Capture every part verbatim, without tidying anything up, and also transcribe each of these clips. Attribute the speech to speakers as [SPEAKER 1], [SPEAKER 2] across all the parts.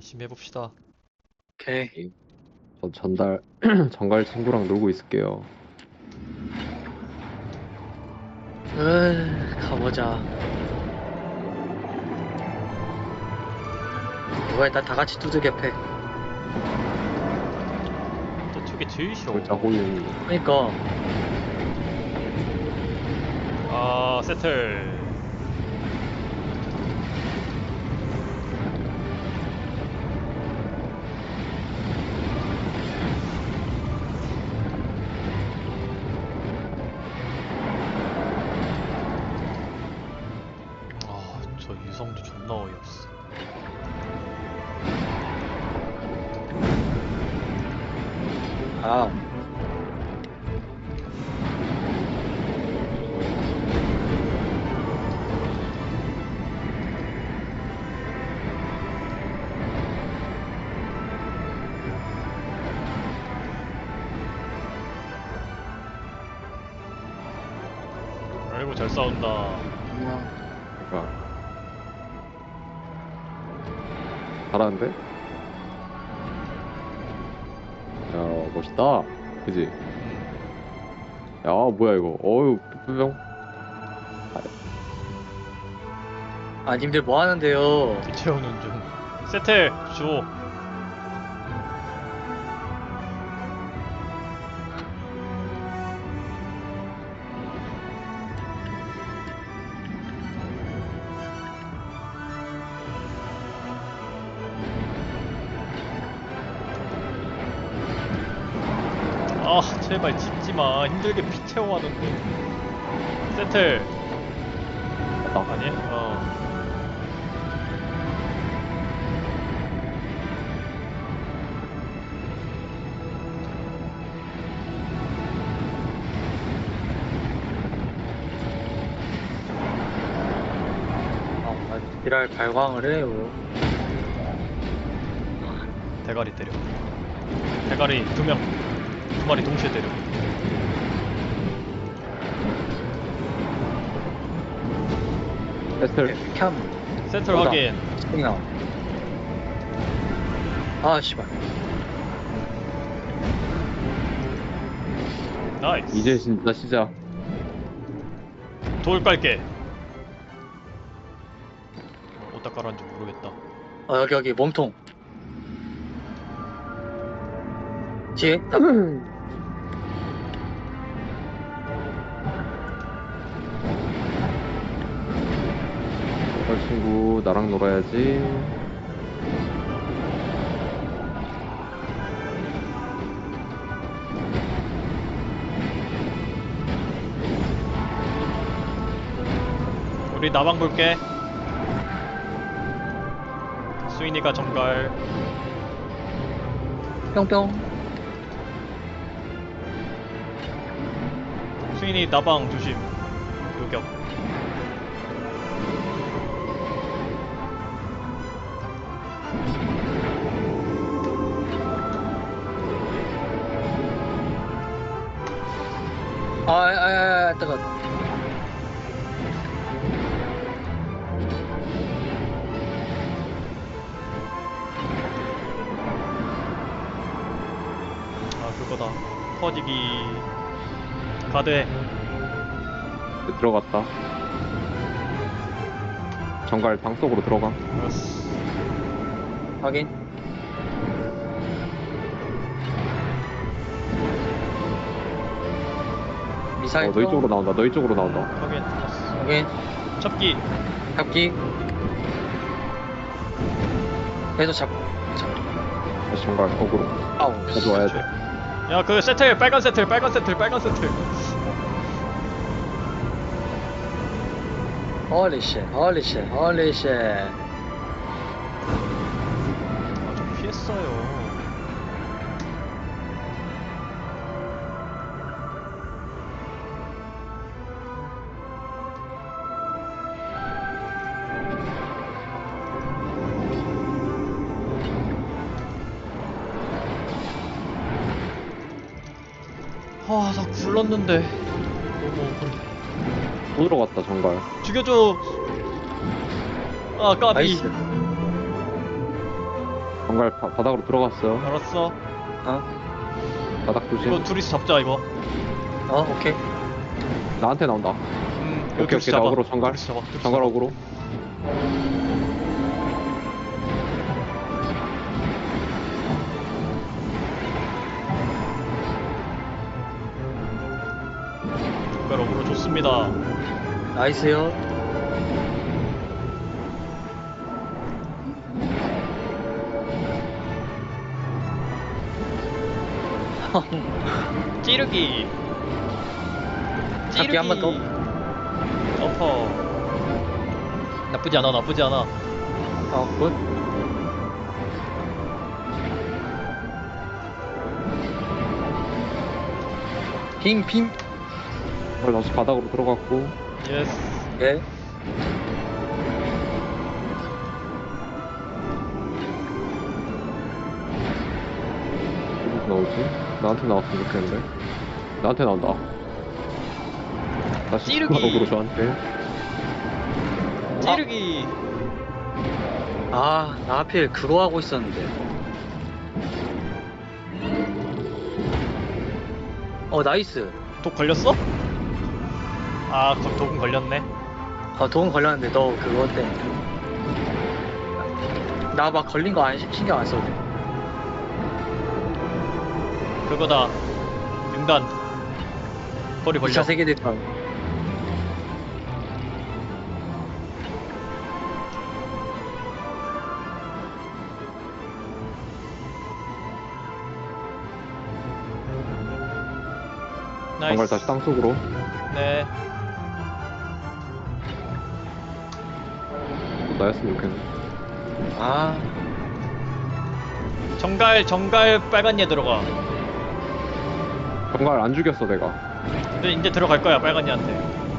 [SPEAKER 1] 열심히 해봅시다.
[SPEAKER 2] 오케이.
[SPEAKER 3] 저 전달 전갈 친구랑 놀고 있을게요.
[SPEAKER 2] 으, 가보자. 뭐야, 일단 다 같이 두들겨 패.
[SPEAKER 1] 저쪽이 제일 쉬워.
[SPEAKER 3] 골자 호잉.
[SPEAKER 2] 그니까,
[SPEAKER 1] 아, 세틀. 아, 저 유성도 존나 어이없어.
[SPEAKER 2] 아,
[SPEAKER 1] 아이고, 잘 싸운다.
[SPEAKER 2] 그냥,
[SPEAKER 3] 그러니까 잘하는데? 야 멋있다. 그지?
[SPEAKER 1] 음,
[SPEAKER 3] 야 뭐야 이거? 어유 뿅뿅.
[SPEAKER 2] 아, 님들 뭐 하는데요?
[SPEAKER 1] 채우는 중. 세틀, 줘. 아, 제발 짚지마. 힘들게 피 채워하는데. 세틀.
[SPEAKER 3] 나
[SPEAKER 1] 아니? 어.
[SPEAKER 2] 아, 지랄 발광을 해요.
[SPEAKER 1] 대가리 때려. 대가리 두 명, 두 마리 동시에 때려.
[SPEAKER 3] 패슬.
[SPEAKER 2] 캠,
[SPEAKER 1] 센터
[SPEAKER 2] 뭐다?
[SPEAKER 1] 확인.
[SPEAKER 2] 스팅 나와. 아, 씨발.
[SPEAKER 1] 나이스.
[SPEAKER 3] 이제 진짜 시작.
[SPEAKER 1] 돌 깔게. 어, 어디다 깔았는지 모르겠다.
[SPEAKER 2] 어, 여기, 여기, 몸통. 뒤에? 딱.
[SPEAKER 3] 저 친구 나랑 놀아야지.
[SPEAKER 1] 우리 나방 볼게. 수인이가 정갈.
[SPEAKER 2] 뿅뿅.
[SPEAKER 1] 수인이 나방 조심. 요격.
[SPEAKER 2] 아, 아, 아, 아, 뜨거.
[SPEAKER 1] 아, 그거다. 퍼지기. 가드.
[SPEAKER 3] 들어갔다. 정갈 방 속으로 들어가.
[SPEAKER 1] 알았어.
[SPEAKER 2] 확인. 미사일.
[SPEAKER 3] 어 너희 쪽으로 나온다. 너희 쪽으로 나온다.
[SPEAKER 1] 확인. 알았어.
[SPEAKER 2] 확인.
[SPEAKER 1] 잡기.
[SPEAKER 2] 잡기. 계속 잡, 잡.
[SPEAKER 3] 다시 정갈 거꾸로
[SPEAKER 2] 아우.
[SPEAKER 3] 가져와야 돼.
[SPEAKER 1] 야, 그 세틀, 빨간 세틀, 빨간 세틀, 빨간 세틀.
[SPEAKER 2] Holy shit, holy shit, holy shit.
[SPEAKER 1] 아, 좀 피했어요. 아, 나 굴렀는데. 너무 억울해.
[SPEAKER 3] 또 들어갔다 정갈.
[SPEAKER 1] 죽여줘. 아, 까비.
[SPEAKER 2] 나이스.
[SPEAKER 3] 정갈 바, 바닥으로 들어갔어.
[SPEAKER 1] 알았어.
[SPEAKER 2] 어?
[SPEAKER 3] 바닥 조심.
[SPEAKER 1] 이거 둘이서 잡자 이거.
[SPEAKER 2] 어, 오케이.
[SPEAKER 3] 나한테 나온다.
[SPEAKER 1] 음, 이거
[SPEAKER 3] 오케이,
[SPEAKER 1] 둘이서
[SPEAKER 3] 오케이.
[SPEAKER 1] 잡아.
[SPEAKER 3] 나 어그로 정갈.
[SPEAKER 1] 둘이서 잡아. 둘이서
[SPEAKER 3] 정갈
[SPEAKER 1] 잡아.
[SPEAKER 3] 어그로.
[SPEAKER 1] 정갈 어그로 좋습니다.
[SPEAKER 2] 나이스요.
[SPEAKER 1] 찌르기.
[SPEAKER 2] 잡기 한번 더.
[SPEAKER 1] 점퍼. 나쁘지 않아, 나쁘지 않아.
[SPEAKER 2] 어, 굿. 핑, 핑.
[SPEAKER 3] 정갈 다시 바닥으로 들어갔고.
[SPEAKER 1] 예스.
[SPEAKER 2] 예.
[SPEAKER 3] 어디서 나오지? 나한테 나왔으면 좋겠는데. 나한테 나온다. 다시
[SPEAKER 1] 찌르기.
[SPEAKER 3] 어그로 저한테.
[SPEAKER 1] 찌르기.
[SPEAKER 2] 아, 나 하필 그거 하고 있었는데. 어, 나이스.
[SPEAKER 1] 독 걸렸어? 아, 거- 독은 걸렸네.
[SPEAKER 2] 어, 도움 걸렸는데 너 그거 때문에. 나 막 걸린 거 안, 신경 안 써도 돼.
[SPEAKER 1] 그거다. 융단. 거리 벌려.
[SPEAKER 2] 이 차 세계 대판.
[SPEAKER 1] 나이스.
[SPEAKER 3] 정갈 다시 땅속으로.
[SPEAKER 1] 네.
[SPEAKER 3] 나였으면 좋겠네.
[SPEAKER 2] 아,
[SPEAKER 1] 정갈, 정갈 빨간 얘 들어가.
[SPEAKER 3] 정갈 안 죽였어 내가.
[SPEAKER 1] 근데 이제 들어갈 거야, 빨간 얘한테.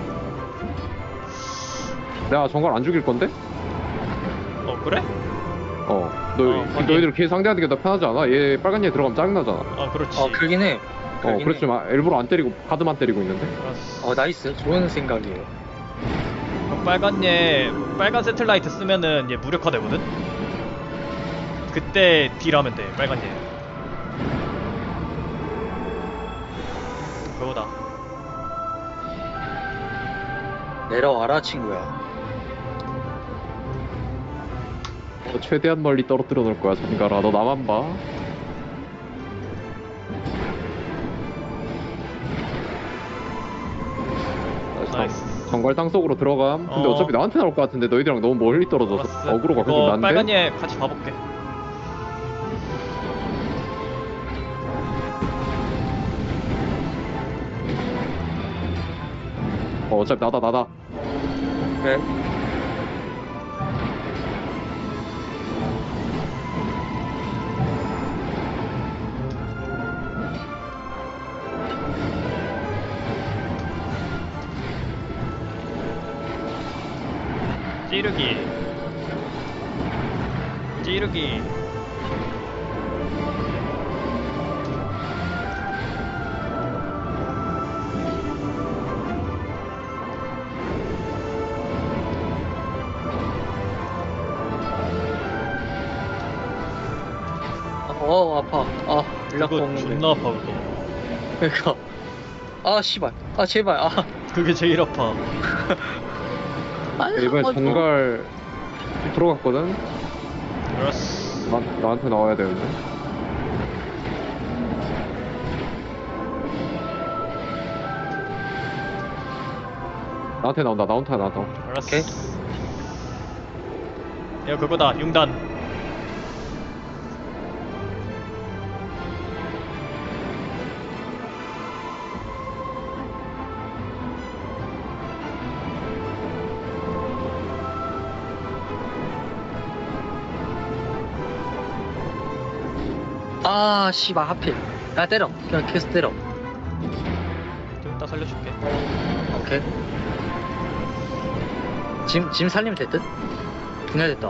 [SPEAKER 3] 내가 정갈 안 죽일 건데?
[SPEAKER 1] 어, 그래?
[SPEAKER 3] 어. 너
[SPEAKER 1] 어, 확인.
[SPEAKER 3] 너희들 걔 상대하는 게 더 편하지 않아? 얘 빨간 얘 들어가면 짜증나잖아.
[SPEAKER 1] 아, 그렇지.
[SPEAKER 2] 어, 그러긴 해.
[SPEAKER 3] 어,
[SPEAKER 2] 그러긴 해.
[SPEAKER 3] 그렇지만 일부러 안 때리고 카드만 때리고 있는데.
[SPEAKER 1] 알았어.
[SPEAKER 2] 어, 나이스. 좋은 생각이에요.
[SPEAKER 1] 그럼 빨간 얘, 빨간 세틀라이트 쓰면은 얘 무력화 되거든? 그때 딜하면 돼, 빨간 얘. 그거다.
[SPEAKER 2] 내려와라, 친구야.
[SPEAKER 3] 어, 최대한 멀리 떨어뜨려 놓을 거야 정갈아. 너 나만 봐. 다시 정-
[SPEAKER 1] 나이스.
[SPEAKER 3] 정갈 땅속으로 들어감. 근데
[SPEAKER 1] 어.
[SPEAKER 3] 어. 차피 나한테 나올 것 같은데 너희들이랑 너무 멀리 떨어져서
[SPEAKER 1] 알았어.
[SPEAKER 3] 어그로가 계속
[SPEAKER 1] 이거
[SPEAKER 3] 난데.
[SPEAKER 1] 빨간 얘 같이 봐볼게.
[SPEAKER 3] 어, 어차피 나다 나다.
[SPEAKER 2] 그래.
[SPEAKER 1] 찌르기. 찌르기.
[SPEAKER 2] 어, 아파. 아, 연락
[SPEAKER 1] 그거
[SPEAKER 2] 없는데.
[SPEAKER 1] 존나 아파, 그거.
[SPEAKER 2] 그러니까. 아, 씨발. 아, 제발. 아.
[SPEAKER 1] 그게 제일 아파.
[SPEAKER 2] 아,
[SPEAKER 3] 이번에
[SPEAKER 2] 아,
[SPEAKER 3] 정갈 들어갔거든.
[SPEAKER 1] 알았어.
[SPEAKER 3] 나, 나한테 나와야 되는데. 나한테 나온다. 나한테 나온다.
[SPEAKER 1] 알았어.
[SPEAKER 2] 오케이.
[SPEAKER 1] 이거 그거다, 융단.
[SPEAKER 2] 아, 씨발, 하필. 야, 때려. 그냥 계속 때려.
[SPEAKER 1] 좀 이따 살려줄게.
[SPEAKER 2] 오케이. 짐, 짐 살리면 됐듯? 분해됐다.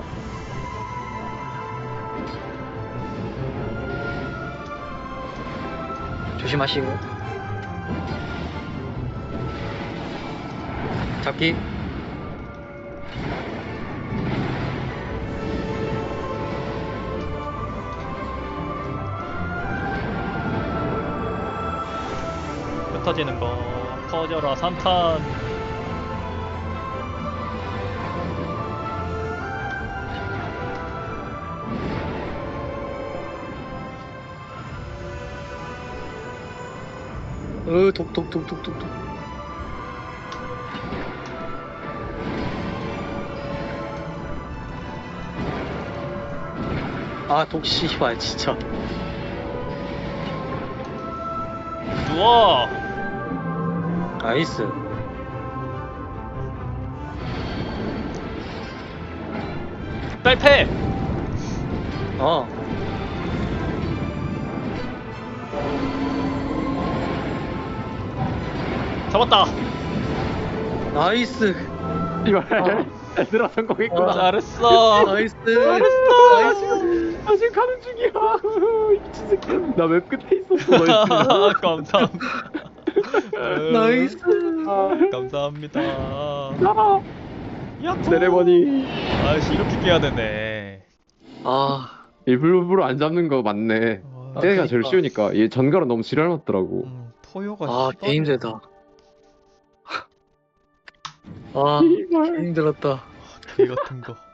[SPEAKER 2] 조심하시고. 잡기.
[SPEAKER 1] 터지는 거 터져라 산탄.
[SPEAKER 2] 으, 독, 독, 독, 독, 독, 독. 아, 독, 씨발, 진짜.
[SPEAKER 1] 누워.
[SPEAKER 2] 나이스.
[SPEAKER 1] 딸패.
[SPEAKER 2] 어.
[SPEAKER 1] 잡았다.
[SPEAKER 2] 나이스.
[SPEAKER 3] 이발 얘들아 성공했구나.
[SPEAKER 2] 아.
[SPEAKER 1] 잘했어.
[SPEAKER 2] 나이스.
[SPEAKER 1] 잘했어.
[SPEAKER 2] 나이스.
[SPEAKER 3] 나 지금 가는 중이야. 미친 새끼. 나 웹 끝에 있었어. 너 있으면.
[SPEAKER 1] 감사합니다.
[SPEAKER 2] 나이스.
[SPEAKER 1] 감사합니다.
[SPEAKER 3] 나라.
[SPEAKER 1] 야호.
[SPEAKER 3] 세레머니.
[SPEAKER 1] 아씨 이렇게 깨야 되네.
[SPEAKER 2] 아,
[SPEAKER 3] 일부러 안 잡는 거 맞네.
[SPEAKER 1] 와,
[SPEAKER 3] 쟤가
[SPEAKER 2] 그러니까.
[SPEAKER 3] 제일 쉬우니까. 얘 전가로 너무 지랄 맞더라고.
[SPEAKER 1] 음, 포효가
[SPEAKER 2] 아,
[SPEAKER 1] 씨발.
[SPEAKER 2] 개 힘들다. 아, 개
[SPEAKER 3] 이발.
[SPEAKER 2] 힘들었다.
[SPEAKER 1] 개 같은 거.